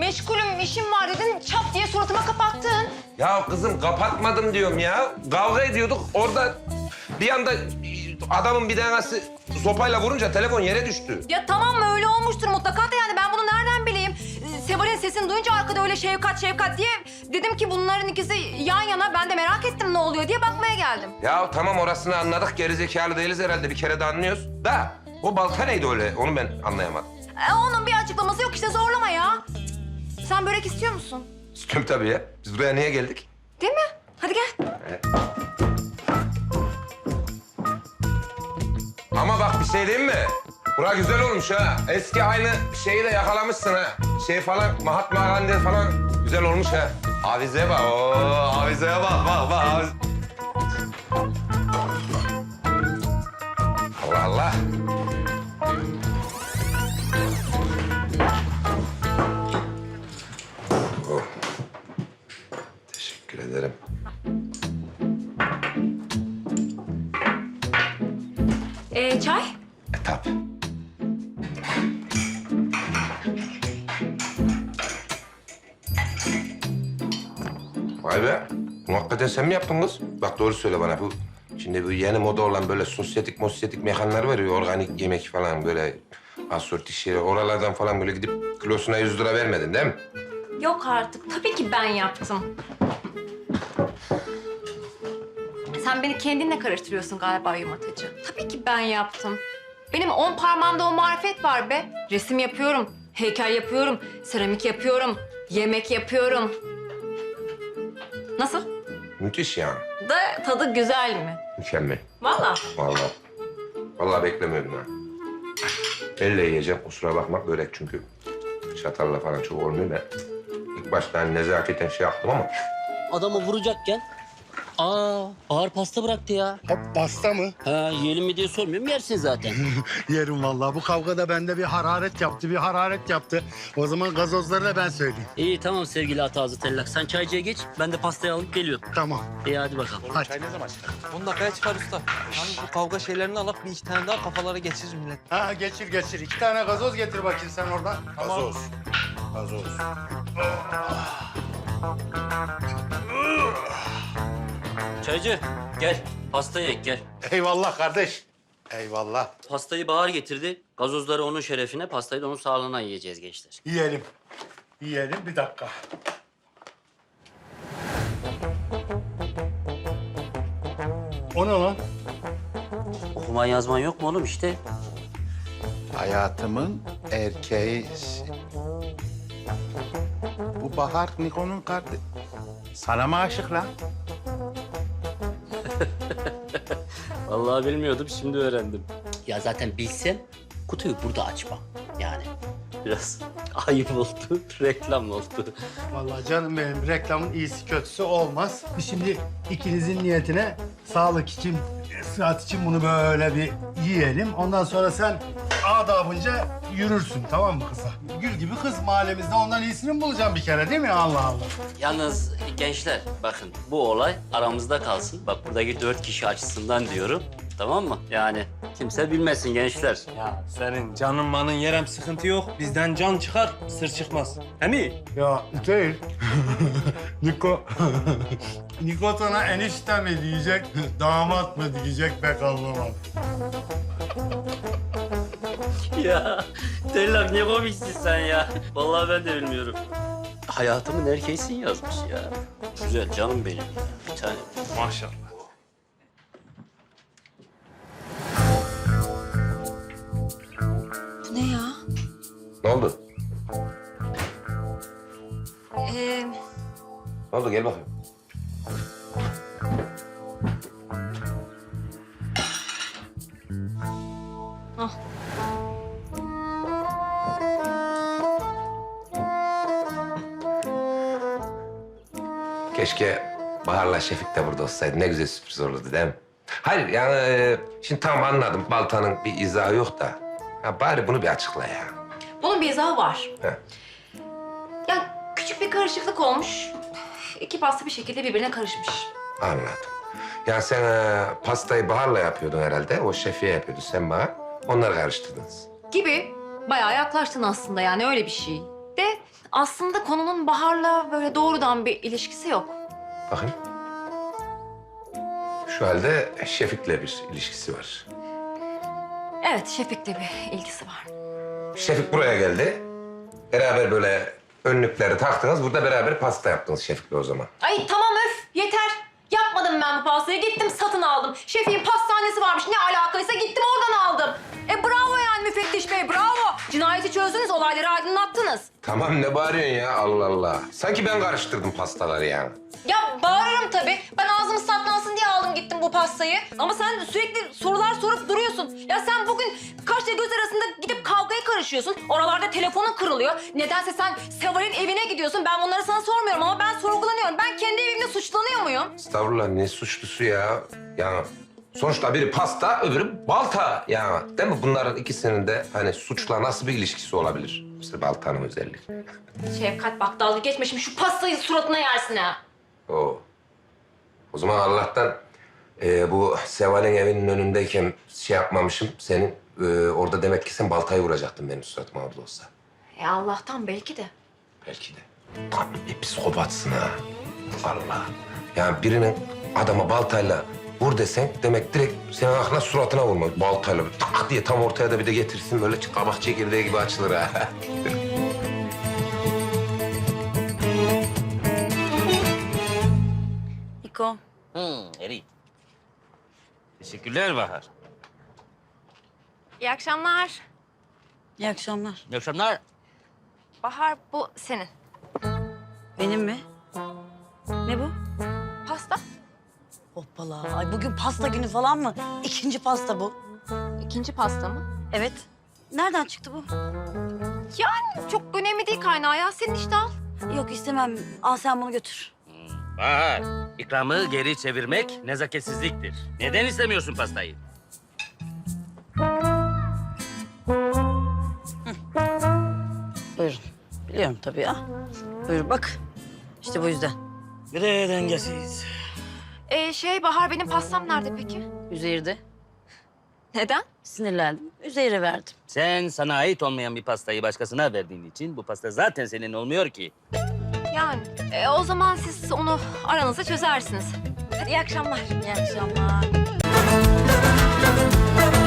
meşgulüm, işim var dedin. Çat diye suratıma kapattın. Ya kızım kapatmadım diyorum ya. Kavga ediyorduk. Orada bir anda adamın bir tanesi sopayla vurunca telefon yere düştü. Ya tamam mı öyle olmuştur mutlaka da yani ben bunu nereden bileyim? Seval'in sesini duyunca arkada öyle Şevkat diye dedim ki bunların ikisi yan yana. Ben de merak ettim ne oluyor diye bakmaya geldim. Ya tamam orasını anladık. Gerizekalı değiliz herhalde. Bir kere de anlıyoruz. Da o balta neydi öyle? Onu ben anlayamadım. Onun bir açıklaması yok işte zorlama ya. Sen börek istiyor musun? İstiyorum tabii ya. Biz buraya niye geldik? Değil mi? Hadi gel. Ama bak bir şey diyeyim mi? Bura güzel olmuş ha. Eski aynı şeyi de yakalamışsın ha. Şey falan, Mahatma Gandhi falan güzel olmuş ha. Avize bak. Oo, avizeye bak. Allah Allah. Oh. Teşekkür ederim. Çay? Tabii. Vay be. Bunu hakikaten sen mi yaptın kız? Bak doğru söyle bana bu. Şimdi bu yeni moda olan böyle sosyetik mekanlar var ya, organik yemek falan böyle asorti şeyler. Oralardan falan böyle gidip kilosuna 100 lira vermedin değil mi? Yok artık. Tabii ki ben yaptım. Sen beni kendinle karıştırıyorsun galiba yumurtacı. Tabii ki ben yaptım. Benim 10 parmağımda o marifet var be. Resim yapıyorum, heykel yapıyorum, seramik yapıyorum, yemek yapıyorum. Nasıl? Müthiş yani. Da tadı güzel mi? Mükemmel. Vallahi. Vallahi beklemiyordum ha. Elle yiyeceğim kusura bakma börek çünkü çatalla falan çok olmuyor da. İlk başta hani nezaketen şey yaptım ama Adamı vuracakken ağır pasta bıraktı ya. Hop pasta mı? Ha, yiyelim mi diye sormuyorum, yersin zaten. Yerim vallahi. Bu kavgada bende bir hararet yaptı. O zaman gazozları da ben söyleyeyim. İyi tamam sevgili Atazı Tellak. Sen çaycıya geç, ben de pastayı alıp geliyorum. Tamam. İyi hadi bakalım. Hadi. 10 dakikaya çıkar usta. Yalnız bu kavga şeylerini alıp bir iki tane daha kafalara geçirir millet. Ha geçir. 2 tane gazoz getir bakayım sen oradan. Gazoz. Çaycı gel, pastayı ek gel. Eyvallah kardeş. Eyvallah. Pastayı Bahar getirdi. Gazozları onun şerefine, pastayı da onun sağlığına yiyeceğiz gençler. Yiyelim bir dakika. O ne lan? Okuman yazman yok mu oğlum işte? Hayatımın erkeği. Bu Bahar Niko'nun kardeşi. Sana mı aşık lan? Vallahi bilmiyordum, şimdi öğrendim. Ya zaten bilsem kutuyu burada açmam yani. Biraz ayıp oldu, reklam oldu. Vallahi canım benim reklamın iyisi kötüsü olmaz. Biz şimdi ikinizin niyetine sağlık için, sıhhat için bunu böyle bir yiyelim. Ondan sonra sen adabınca yürürsün tamam mı kıza? Gül gibi kız mahallemizde ondan iyisini mi bulacağım bir kere değil mi? Allah Allah. Yalnız gençler bakın bu olay aramızda kalsın. Bak buradaki 4 kişi açısından diyorum. Tamam mı? Yani kimse bilmesin gençler. Ya senin canın manın yerem sıkıntı yok. Bizden can çıkar, sır çıkmaz. He mi? Ya değil. Niko sana enişte mi diyecek, damat mı diyecek pek anlamadım. Ya Tellak ne komiksin sen ya. Vallahi ben de bilmiyorum. Hayatımın erkeğisin yazmış ya. Güzel canım benim ya. Bir tane. Maşallah. Bu ne ya? ne oldu? Ne oldu gel bakayım. Ah. Keşke Bahar'la Şefik de burada olsaydı. Ne güzel sürpriz olurdu değil mi? Hayır yani şimdi tamam anladım. Baltanın bir izahı yok da. Ya bari bunu bir açıkla ya. Bunun bir izahı var. He. Ya küçük bir karışıklık olmuş. İki pasta bir şekilde birbirine karışmış. Anladım. Ya sen pastayı Bahar'la yapıyordun herhalde. O Şefik'e yapıyordu sen Bahar. Onları karıştırdınız. Gibi bayağı yaklaştın aslında yani öyle bir şey. De aslında konunun Bahar'la böyle doğrudan bir ilişkisi yok. Bakayım. Şu halde Şefik'le bir ilişkisi var. Evet, Şefik'le bir ilgisi var. Şefik buraya geldi. Beraber böyle önlükleri taktınız. Burada beraber pasta yaptınız Şefik'le o zaman. Ay tamam öf, yeter. Yapmadım ben bu pastayı. Gittim satın aldım. Şefin pastanesi varmış. Ne alakaysa gittim oradan aldım. Bravo yani müfettiş bey, bravo. Cinayeti çözdünüz, olayları aydınlattınız. Tamam ne bağırıyorsun ya Allah Allah. Sanki ben karıştırdım pastaları yani. Ya bağırırım tabii. Ben ağzımız tatlansın diye aldım gittim bu pastayı. Ama sen sürekli sorular sorup duruyorsun. Ya sen bugün kaşla göz arasında gidip kavgaya karışıyorsun. Oralarda telefonun kırılıyor. Nedense sen Seval'in evine gidiyorsun. Ben bunları sana sormuyorum ama ben sorgulanıyorum. Ben kendi evimde suçlanıyor muyum? Estağfurullah ne suçlusu ya. Yani sonuçta biri pasta öbürü balta yani. Değil mi? Bunların ikisinin de hani suçla nasıl bir ilişkisi olabilir? İşte baltanın özelliği. Şefkat bak dalga geçme şimdi şu pastayı suratına yersin ha. O zaman Allah'tan bu Seval'in evinin önündeyken şey yapmamışım. Senin orada demek ki sen baltayı vuracaktın benim suratıma orada olsa. Allah'tan belki de. Belki de. Tam bir psikopatsın ha. Allah. Yani birinin adama baltayla vur desen demek direkt senin aklına suratına vurmak. Baltayla böyle tak diye tam ortaya da bir de getirsin böyle kabak çekirdeği gibi açılır ha. Niko, Eri. Teşekkürler Bahar. İyi akşamlar. iyi akşamlar. İyi akşamlar. Bahar bu senin. Benim mi? Ne bu? Pasta. Hoppala. Ay bugün pasta günü falan mı? İkinci pasta bu. İkinci pasta mı? Evet. Nereden çıktı bu? Yani çok önemli değil kaynağı ya. Senin işte al. Yok istemem. Al sen bunu götür. Bahar, ikramı geri çevirmek nezaketsizliktir. Neden istemiyorsun pastayı? Buyurun. Biliyorum tabii ya. Buyur bak. İşte bu yüzden. Bir de dengesiz. Bahar benim pastam nerede peki? Üzeyir'de. Neden? Sinirlendim. Üzeyir'e verdim. Sen sana ait olmayan bir pastayı başkasına verdiğin için bu pasta zaten senin olmuyor ki. Yani o zaman siz onu aranızda çözersiniz. Hadi iyi akşamlar. İyi akşamlar.